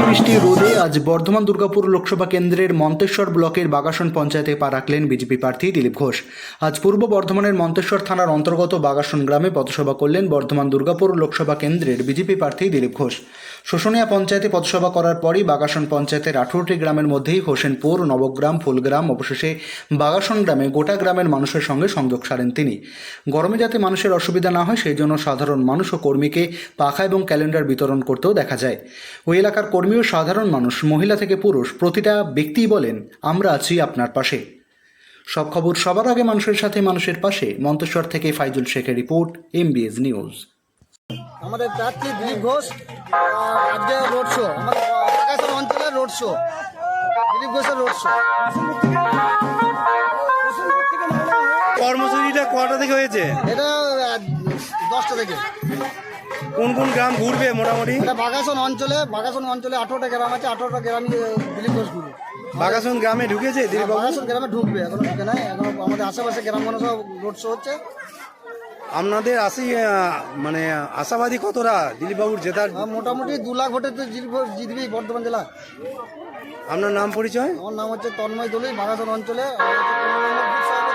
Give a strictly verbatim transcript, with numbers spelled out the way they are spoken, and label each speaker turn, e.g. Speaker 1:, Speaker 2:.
Speaker 1: বৃষ্টি রোদে আজ বর্ধমান দুর্গাপুর লোকসভা কেন্দ্রের মন্তেশ্বর ব্লকের বাগাসন পঞ্চায়েতে পা রাখলেন বিজেপি প্রার্থী দিলীপ ঘোষ। আজ পূর্ব বর্ধমানের মন্তেশ্বর থানার অন্তর্গত বাগাসন গ্রামে পথসভা করলেন বর্ধমান দুর্গাপুর লোকসভা কেন্দ্রের বিজেপি প্রার্থী দিলীপ ঘোষ। শোষণিয়া পঞ্চায়েতে পথসভা করার পরই বাগাসন পঞ্চায়েতের আঠারোটি গ্রামের মধ্যেই হোসেনপুর, নবগ্রাম, ফুলগ্রাম, অবশেষে বাগাসন গ্রামে গোটা গ্রামের মানুষের সঙ্গে সংযোগ সারেন তিনি। গরমে যাতে মানুষের অসুবিধা না হয় সেই জন্য সাধারণ মানুষ ও কর্মীকে পাখা এবং ক্যালেন্ডার বিতরণ করতেও দেখা যায়। ওই এলাকার কর্মী ও সাধারণ মানুষ, মহিলা থেকে পুরুষ, প্রতিটা ব্যক্তিই বলেন, আমরা আছি আপনার পাশে। সব খবর সবার আগে মানুষের সাথে, মানুষের পাশে। মন্তেশ্বর থেকে ফাইজুল শেখের রিপোর্ট, এমবিএস নিউজ।
Speaker 2: আমাদের প্রার্থী দিলীপ ঘোষ আজকে রোড শো, আমাদের বাগাসন অঞ্চলের রোড শো, দিলীপ ঘোষের রোড শো।
Speaker 3: কর্মসূচিটা কটা থেকে হয়েছে?
Speaker 2: এটা দশটা থেকে।
Speaker 3: কোন কোন গ্রাম ঘুরবে মোটামুটি?
Speaker 2: এটা বাগাসন অঞ্চলে, বাগাসন অঞ্চলে আঠারোটা গ্রাম আছে, আঠারোটা গ্রামই দিলীপ ঘোষ ঘুরবে।
Speaker 3: বাগাসন গ্রামে ঢুকেছে দিলীপ বাবু?
Speaker 2: বাগাসন গ্রামে ঢুকবে, এখনো ঢুকে নাই, এখনো আমাদের আশেপাশে গ্রামগুলো সব রোড শো হচ্ছে।
Speaker 3: আপনাদের আসি মানে আশাবাদী কতটা দিলীপ বাবুর জেতার?
Speaker 2: আর মোটামুটি দু লাখ ভোটে তো দিলীপ ঘোষ জিতবেই বর্ধমান জেলা।
Speaker 3: আপনার নাম পরিচয়?
Speaker 2: আমার নাম হচ্ছে তন্ময় দলুই, বাগাসন অঞ্চলে। আমার হচ্ছে পনেরো নম্বর বুথ সভাপতি।